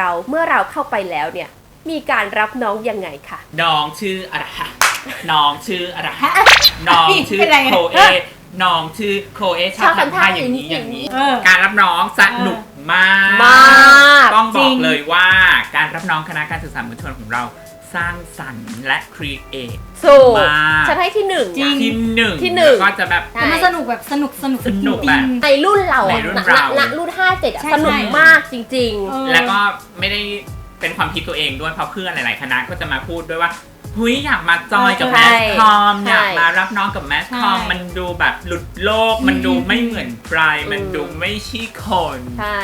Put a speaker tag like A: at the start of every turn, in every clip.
A: เราเมื่อเราเข้าไปแล้วเนี่ยมีการรับน้องยังไงคะ
B: น้องชื่ออะไรฮะน้องชื่ออะไรฮะน้องชื่อโคเอน้องชื่อโคเอชอบทำท่าอย่างนี้อย่างนี้การรับน้องสนุกมากต้องบอกเลยว่าการรับน้องคณะการศึกษามวลชนของเราสร้างสรรค์และครีเอท
A: มากฉันให้ที่หนึ่ง
B: ก็จะแบบ
C: มันสนุกแบบสนุก
B: แบบ
A: ในรุ่นเราอ่ะรุ่น57อ่ะสนุกมากจริง
B: ๆแล้วก็ไม่ได้เป็นความคิดตัวเองด้วยเพราะเพื่อนหลายๆคณะก็จะมาพูดด้วยว่าหุยอยากมาจอยกับแมสคอมอยากมารับน้องกับแมสคอมมันดูแบบหลุดโลกมันดูไม่เหมือนใครมันดูไม่ใช่คน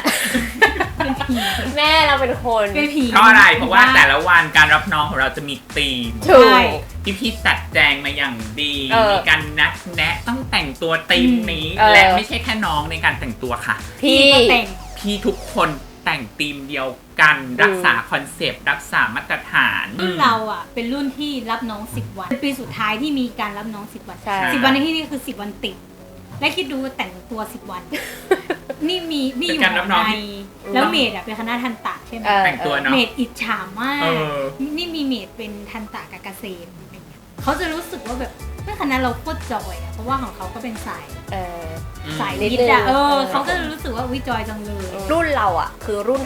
A: แม่เราเป็นคน
B: เพราะอะไรเพราะว่าแต่ละวันการรับน้องของเราจะมีธีมพี่จัดแจงมาอย่างดีมีการนัดแนะต้องแต่งตัวธีมนี้และไม่ใช่แค่น้องในการแต่งตัวค่ะพี่ทุกคนแต่งธีมเดียวกันรักษาคอนเซปต์รักษามาตรฐาน
C: รุ่นเราอ่ะเป็นรุ่นที่รับน้อง10 วันปีสุดท้ายที่มีการรับน้อง10 วัน10 วันในที่นี้คือ10 วันติดและคิดดูแต่งตัว10 วันนี่อยู่ในแล้วเมดเป็นคณะทันตะใช่ไหม
B: แต่งตัวเนาะ
C: เมดอิจฉามากนี่มีเมดเป็นทันตะกับเกษตรเขาจะรู้สึกว่าแบบคณะเราโคตรจอยเพราะว่าของเขาก็เป็นสายวิทย์เขาก็รู้สึกว่าวิจอยจังเลย
A: รุ่นเราอ่ะคือรุ่น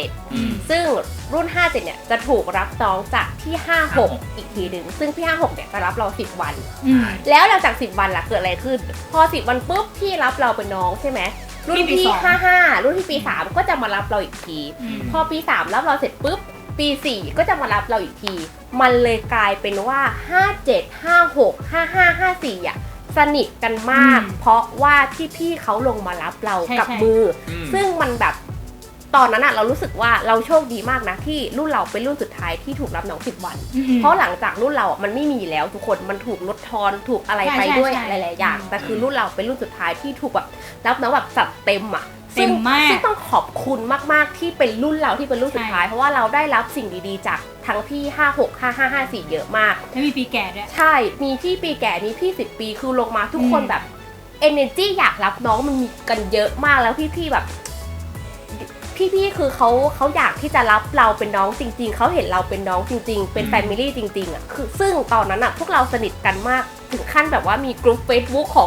A: 57ซึ่งรุ่น57เนี่ยจะถูกรับน้องจากที่56อีกทีนึงซึ่งที่56เนี่ยจะรับเรา10 วันแล้วหลังจาก10 วันล่ะเกิดอะไรขึ้นพอ10 วันปุ๊บที่รับเราเป็นน้องใช่ไหมรุ่นที่55รุ่นที่ปี3ก็จะมารับเราอีกทีพอปี3รับเราเสร็จปุ๊บปี4ก็จะมารับเราอีกทีมันเลยกลายเป็นว่า57 56 55 54อ่ะสนิทกันมากเพราะว่าที่พี่เขาลงมารับเรากับมือซึ่งมันแบบตอนนั้นอะเรารู้สึกว่าเราโชคดีมากนะที่รุ่นเราเป็นรุ่นสุดท้ายที่ถูกรับน้อง10 วันเพราะหลังจากรุ่นเราอะมันไม่มีแล้วทุกคนมันถูกลดทอนถูกอะไรไปด้วยหลายๆอย่างแต่คือรุ่นเราเป็นรุ่นสุดท้ายที่ถูกแบบรับน้องแบบจัดเต็มอะซึ่งต้องขอบคุณมากๆที่เป็นรุ่นเราที่เป็นรุ่นสุดท้ายเพราะว่าเราได้รับสิ่งดีๆจากทั้งพี่56 55 54เยอะมาก
C: และมีพี่แก่ด้วย
A: ใช่มีพี่ปีแก่มีพี่10 ปีคือลงมาทุกคนแบบ energy อยากรับน้องมันมีกันเยอะมากแล้วพี่ๆแบบพี่ๆคือเขาอยากที่จะรับเราเป็นน้องจริงๆเขาเห็นเราเป็นน้องจริงๆเป็น family จริงๆอ่ะคือซึ่งตอนนั้นอ่ะพวกเราสนิทกันมากถึงขั้นแบบว่ามีกลุ่ม Facebook ของ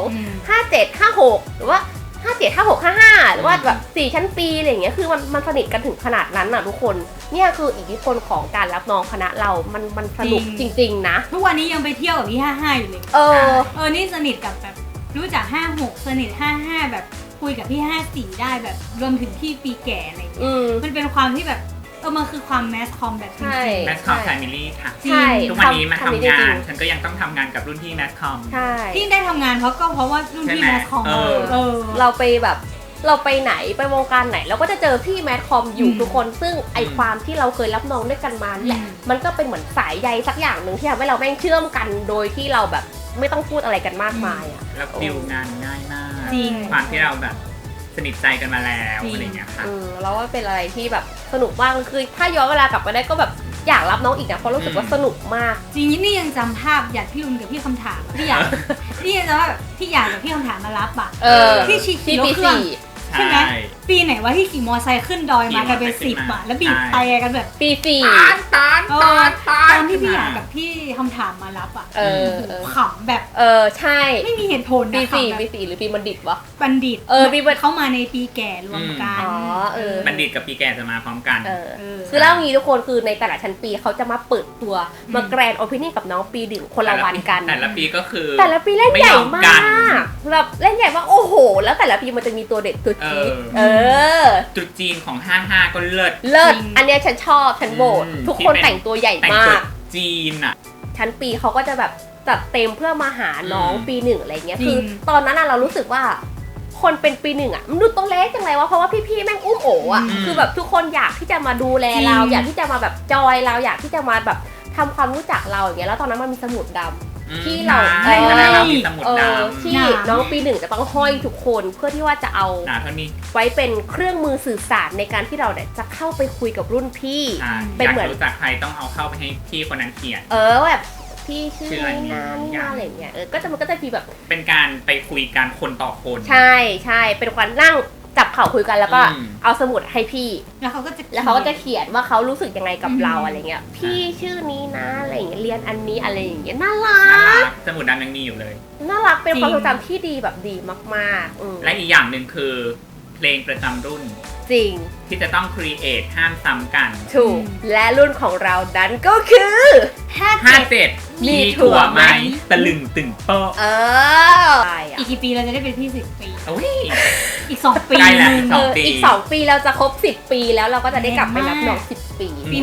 A: 57 56หรือว่า57 56 55หรือว่าแบบ4ชั้นปีอะไรอย่างเงี้ยคือมันสนิทกันถึงขนาดนั้นน่ะทุกคนเนี่ยคืออิทธิพลของการรับน้องคณะเรามันสนุกจริงๆนะ
C: ทุกวันนี้ยังไปเที่ยวกับพี่55อยู่เลยนี่สนิทกับแบบรู้จัก56สนิท55แบบคุยกับพี่54ได้แบบรวมถึงพี่ปีแก่อะไรอย่างเงี้ยมันเป็นความที่แบบมันคือความแมสคอมแบบจริง
B: ๆแมสคอมแฟมิลี่ค่ะทุกวันนี้มาทำงานฉันก็ยังต้องทำงานกับรุ่นพี่แมสคอม
C: ที่ได้ทำงานเพราะว่ารุ่นพี่แมสคอม
A: เราไปแบบเราไปไหนไปวงการไหนเราก็จะเจอพี่แมสคอมอยู่ทุกคนซึ่งไอความที่เราเคยรับน้องด้วยกันมาแหละมันก็เป็นเหมือนสายใยสักอย่างนึงที่ทำให้เราแม่งเชื่อมกันโดยที่เราแบบไม่ต้องพูดอะไรกันมากมายอ่ะ
B: แล้วดิวงานง่ายมากความที่เราแบบสนิทใจกันมาแล้วอะไรอย่างเงี้ยค่ะ
A: เราว่าเป็นอะไรที่แบบสนุกมากคือถ้าย้อนเวลากลับไปได้ก็แบบอยากรับน้องอีกนะเพราะรู้สึกว่าสนุกมาก
C: จริงนี่ยังจำภาพอยากพี่ลุนกับพี่คำถามที่อยากนี่ยังจำว่าแบบที่อยากกับพี่คำถามมารับอ่ะที่ขี่รถเครื่องใช่ไหมปีไหนว่าที่ขี่มอไซค์ขึ้นดอยมากันเป็น10อ่ะแล้วบีบไปกันแบบ
A: ปี
B: ตอน
C: ที่พี่อยากกับพี่คำถามมารับอ่ะขำแบบ
A: ใช่
C: ไม่มีเหตุผล
A: ปี4หรือปีบัณฑิตวะ
C: บัณฑิต
A: ปี
C: เข้ามาในปีแก่รวมกัน
B: บัณฑิตกับปีแก่จะมาพร้อมกัน
A: คือเล่างี้ทุกคนคือในแต่ละชั้นปีเขาจะมาเปิดตัวมาแกรนด์โอเพนนิ่งกับน้องปี1คนละวันกัน
B: แต่ละปีก็คือ
A: แต่ละปีเล่นใหญ่มากแบบเล่นใหญ่มากโอ้โหแล้วแต่ละปีมันจะมีตัวเด็ดตัวจี๊ด
B: จุดจีนของ55ก็เลิศ
A: อันเนี้ยฉันชอบฉันโหวตทุกคนแต่งตัวใหญ่มาก
B: จีนอ่ะ
A: ชั้นปีเขาก็จะแบบจัดเต็มเพื่อมาหาน้องปี1อะไรเงี้ยคือตอนนั้นเรารู้สึกว่าคนเป็นปี1อ่ะมันดูตัวเล็กจังเลยวะเพราะว่าพี่ๆแม่งอุ้มโอ๋อ่ะคือแบบทุกคนอยากที่จะมาดูแลเราอยากที่จะมาแบบจอยเราอยากที่จะมาแบบทำความรู้จักเราอย่างเงี้ยแล้วตอนนั้นมันมีสมุดดำที่เราที่น้องปี1จะต้องห้อยทุกคนเพื่อที่ว่าจะเอาไว้เป็นเครื่องมือสื่อสารในการที่เราเนี่ยจะเข้าไปคุยกับรุ่นพี่
B: เป็นเหมือนรู้จักใครต้องเอาเข้าไปให้พี่คนนั้นเขียน
A: แบบพี่ชื่อนี่อะไรเงี้ยมันก็จะฟีแบบ
B: เป็นการไปคุยกันคนต่อคน
A: ใช่เป็นการนั่งจับเข่าคุยกันแล้วก็เอาสมุดให้พี่
C: แล้วเขาก็
A: จะเขียนว่าเขารู้สึกยังไงกับเราอะไรเงี้ยพี่ชื่อนี้นะอะไรอย่างเงี้ยเรียนอันนี้อะไรอย่างเงี้ยน่ารัก
B: สมุดนั้นยังมีอยู่เลย
A: น่ารักเป็นความทรงจำที่ดีแบบดีมาก
B: ๆและอีกอย่างหนึ่งคือเพลงประจำรุ่น
A: จริง
B: ที่จะต้องครีเอทห้ามซ้ำกัน
A: ถูกและรุ่นของเรานั้นก็คือ
B: 57มีถั่วไหมตะลึงตึงโป๊ะ
C: อีกกี่ปีเราจะได้เป็นพี่10 ปีอีก2 ปี
B: ใกล้แล้ว
A: อีก2 ปีเราจะครบ10 ปีแล้วเราก็จะได้กลับไปรับน้อง10 ปี
C: ปี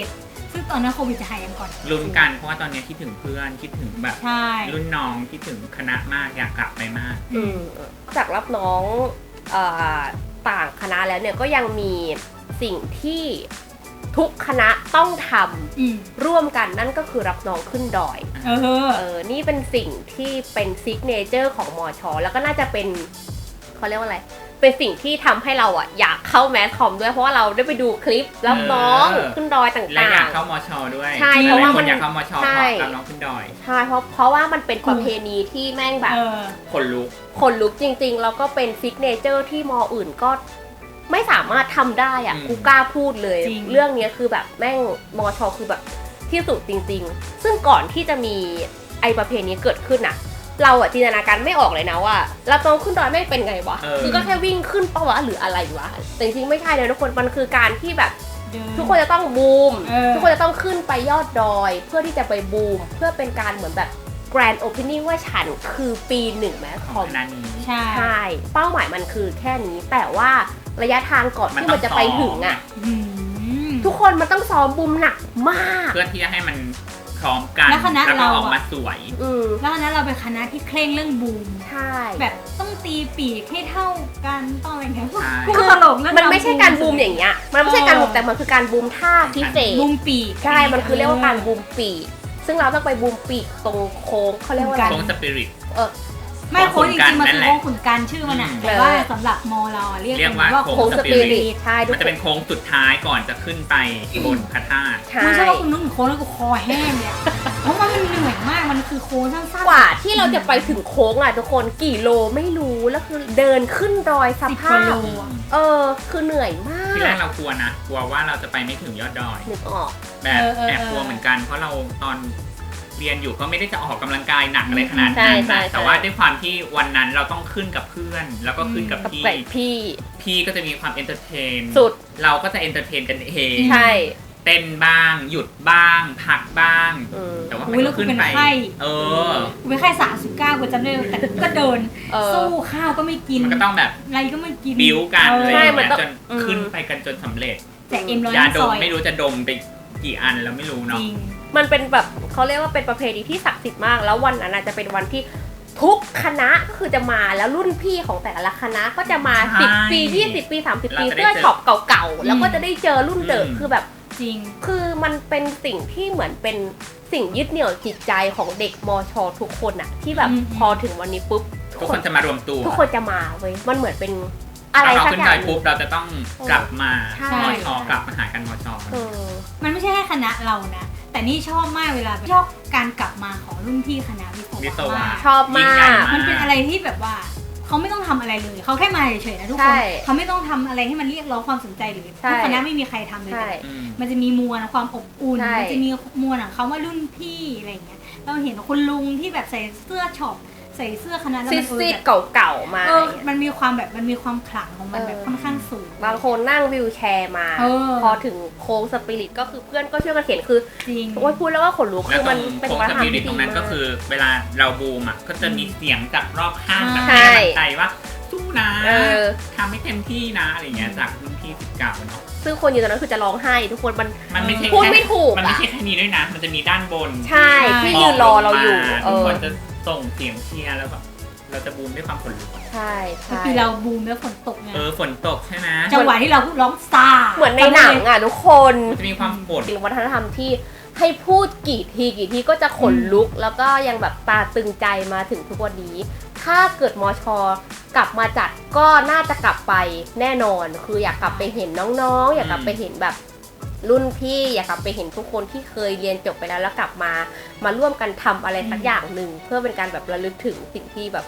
C: 67ซึ่งตอนนั้นโควิดจะหายยังก่อน
B: ลุ้นกันเพราะว่าตอนนี้คิดถึงเพื่อนคิดถึงแบบรุ่นน้องคิดถึงคณะมากอยากกลับไปมาก
A: จากรับน้องต่างคณะแล้วเนี่ยก็ยังมีสิ่งที่ทุกคณะต้องทำร่วมกันนั่นก็คือรับน้องขึ้นดอยนี่เป็นสิ่งที่เป็นซิกเนเจอร์ของมช.แล้วก็น่าจะเป็นเขาเรียกว่าอะไรเป็นสิ่งที่ทำให้เราอยากเข้าแมสคอมด้วยเพราะว่าเราได้ไปดูคลิปรับน้องขึ้นดอยต่างๆและ
B: อยากเข้ามช.ด้วย
A: ใช่เพราะว่า
B: คนอยากเข้ามช.เพราะรับน้องขึ้นดอย
A: ใช่เพราะว่ามันเป็นประเพณีที่แม่งแบบ
B: ขน
A: ลุกจริงๆแล้วก็เป็นซิกเนเจอร์ที่ม.อื่นก็ไม่สามารถทำได้กูกล้าพูดเลยเรื่องนี้คือแบบแม่งมช.คือแบบที่สุดจริงๆซึ่งก่อนที่จะมีไอประเพณีเกิดขึ้นเราจินตนาการไม่ออกเลยนะว่ารับน้องขึ้นดอยแม่งเป็นไงวะคือก็แค่วิ่งขึ้นปะวะหรืออะไรวะแต่จริงๆไม่ใช่เลยทุกคนมันคือการที่แบบทุกคนจะต้องบูมทุกคนจะต้องขึ้นไปยอดดอยเพื่อที่จะไปบูมเพื่อเป็นการเหมือนแบบแกรนด์โอเพนนิ่งว่าฉันคือปี1แมสคอมใช่เป้าหมายมันคือแค่นี้แต่ว่าระยะทางก่อนที่มันจะไปถึงทุกคนมันต้องซ้อมบูมหนักมาก
B: เพื่อที่จะให้มันพร้อมกัน
C: แล้วคณะเรา
B: ออกมาสวย
C: แล้วคณะเราเป็นคณะที่เคร่งเรื่องบูม
A: ใช่
C: แบบต้องตีปีกให้เท่ากันต้องอะไรเงี้ย
A: คือตลกมันไม่ใช่การบูมอย่างเงี้ยมันไม่ใช่การบูมแต่มันคือการบูมท่าพิเศษ
C: บูมปีก
A: ใช่มันคือเรียกว่าการบูมปีกซึ่งเราต้องไปบูมปีกตรงโค้งเขาเรียกว่า
B: โค้งสปิริต
C: ไม่โค้งจริงๆมันคือโค้งขุนกันชื่อมันแต่ว่าสำหรับมอเราเรียกว่าโค้งสปิริต
A: ใช่
B: มันจะเป็นโค้งสุดท้ายก่อนจะขึ้นไปบนพระธาตุ
C: ไม่ใช่ว่าคุณนึกถึงโค้งแล้วก็คอแห้งเนี่ยเพราะมันเหนื่อยมากมันคือโค้งสั้น
A: ๆกว่าที่เราจะไปถึงโค้งทุกคนกี่โลไม่รู้แล้วคือเดินขึ้นดอยสภาพคือเหนื่อยมาก
B: ที่แรกเรากลัวนะกลัวว่าเราจะไปไม่ถึงยอดดอย
A: นึกออก
B: แบบแอบกลัวเหมือนกันเพราะเราตอนเรียนอยู่ก็ไม่ได้จะออกกำลังกายหนักอะไรขนาดนั้นนะแต่ว่าด้วยความที่วันนั้นเราต้องขึ้นกับเพื่อนแล้วก็ขึ้นกับพี่ก็จะมีความเอนเตอร์เทน
A: สุด
B: เราก็จะเอนเตอร์เทนกันเอง
A: ใช่
B: เต้นบ้างหยุดบ้างพักบ้างแต่ว่า
C: ไม่ขึ้นไปกูเป็นไข้39กูจำได้แต่ก็เดินสู้ข้าวก็ไม่กิน
B: มันก็ต้องแบบ
C: อะไรก็ไม่กิน
B: บิ้วกันเลยจนขึ้นไปกันจนสำเร็จ
C: แต่
B: ยาดมไม่รู้จะดมไปกี่อันแล้วไม่รู้เนาะ
A: มันเป็นแบบเขาเรียกว่าเป็นประเพณีที่ศักดิ์สิทธิ์มากแล้ววันนั้นจะเป็นวันที่ทุกคณะก็คือจะมาแล้วรุ่นพี่ของแต่ละคณะก็จะมา10 ปี20 ปี30 ปีเสื้อช็อปเก่าๆแล้วก็จะได้เจอรุ่นเดิมคือแบบ
C: จริง
A: คือมันเป็นสิ่งที่เหมือนเป็นสิ่งยึดเหนี่ยวจิตใจของเด็กมช.ทุกคนที่แบบพอถึงวันนี้ปุ๊บ
B: ทุกคนจะมารวมตัว
A: ทุกคนจะมาเว้ยมันเหมือนเป็นอะไรสักอย่าง
B: ปุ๊บเราจะต้องกลับมามช.กลับมาหากันมช.
C: มันไม่ใช่แค่คณะเรานะแต่นี่ชอบมากเวลาชอบการกลับมาของรุ่นพี่คณะวิศวะ
A: ชอบมาก
C: มันเป็นอะไรที่แบบว่าเขาไม่ต้องทำอะไรเลยเขาแค่มาเฉยๆนะทุกคนเขาไม่ต้องทำอะไรให้มันเรียกร้องความสนใจหรือทุกคณะไม่มีใครทำเลยมันจะมีมวลความอบอุ่นมันจะมีมวลของเขาว่ารุ่นพี่อะไรอย่างเงี้ยเราเห็นคุณลุงที่แบบใส่เสื้อช็อปใส่เสื้อคณะแล้ว
A: มันซีดเก่าๆมา
C: มันมีความแบบมันมีความขลังของมันแบบค่อนข้างสูง
A: บางคนนั่งวิวแชร์มาพอถึงโค้งสปิริตก็คือเพื่อนก็ช่วยกันเขียนคือ
C: จริง
A: โอ้ยพูดแล้วว่าขนลุกคือมัน
B: เป็นวัฒนธรรมที่ดีตรงนั้นก็คือเวลาเราบูมก็จะมีเสียงจากรอบข้างแบบให้กำลังใจว่าสู้นะทำให้เต็มที่นะอะไรเงี้ยจากรุ่นพี่19เนาะ
A: ซึ่งคนอยู่ตรงนั้นคือจะร้องไห้ทุกคน
B: มันไม่ใช่
A: พูดไม่ถูก
B: มันไม่ใช่แค่นี้ด้วยนะมันจะมีด้านบน
A: ใช่ที่ยืนรอเราอยู่
B: ทุกคนจะส่งเสียงเชียร์แล้วแบบเราจะบูมด้วยความขนลุก
A: ใช่
C: คือเราบูมแล้วฝนตกไง
B: ฝนตกใช่ไหม
C: จังหวะที่เราพูดร้องซา
A: เหมือนในหนังทุกคน
B: จะมีความโกรธ
A: เป็นวัฒนธรรมที่ให้พูดกี่ทีก็จะขนลุกแล้วก็ยังแบบตาตึงใจมาถึงทุกวันนี้ถ้าเกิดมช.กลับมาจัดก็น่าจะกลับไปแน่นอนคืออยากกลับไปเห็นน้องๆอยากกลับไปเห็นแบบรุ่นพี่อยากกลับไปเห็นทุกคนที่เคยเรียนจบไปแล้วกลับมาร่วมกันทำอะไรสักอย่างหนึ่งเพื่อเป็นการแบบระลึกถึงสิ่งที่แบบ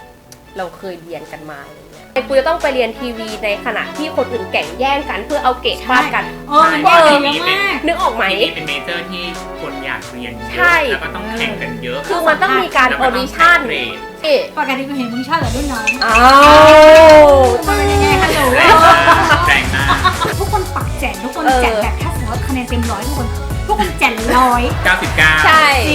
A: เราเคยเรียนกันมาอะไรเงี้ยกูจะต้องไปเรียนทีวีในขณะที่คนอื่นแข่งแย่งกันเพื่อเอาเกรดฟาดกัน
C: มันยากเยอะมาก
A: นึกออกไหม
B: ทีนี้เป็นเมเจอร์ที่คนอยากเรียนเย
A: ใช่
B: อะแล้วก็ต้องแข่งกันเยอะ
A: คือมันต้องมีการออดิชั่น
C: ปกติกูเห็นมึงชอบกับรุ่นน้อง
A: อ้าว
C: มันเป็นยังไงคะหนู
B: แรงมาก
C: ทุกคนปักแจนทุกคนแจนแบบถ้าสมมติว่าคะแนนเต็ม100ทุกคนแจน100
B: 99
A: ใช่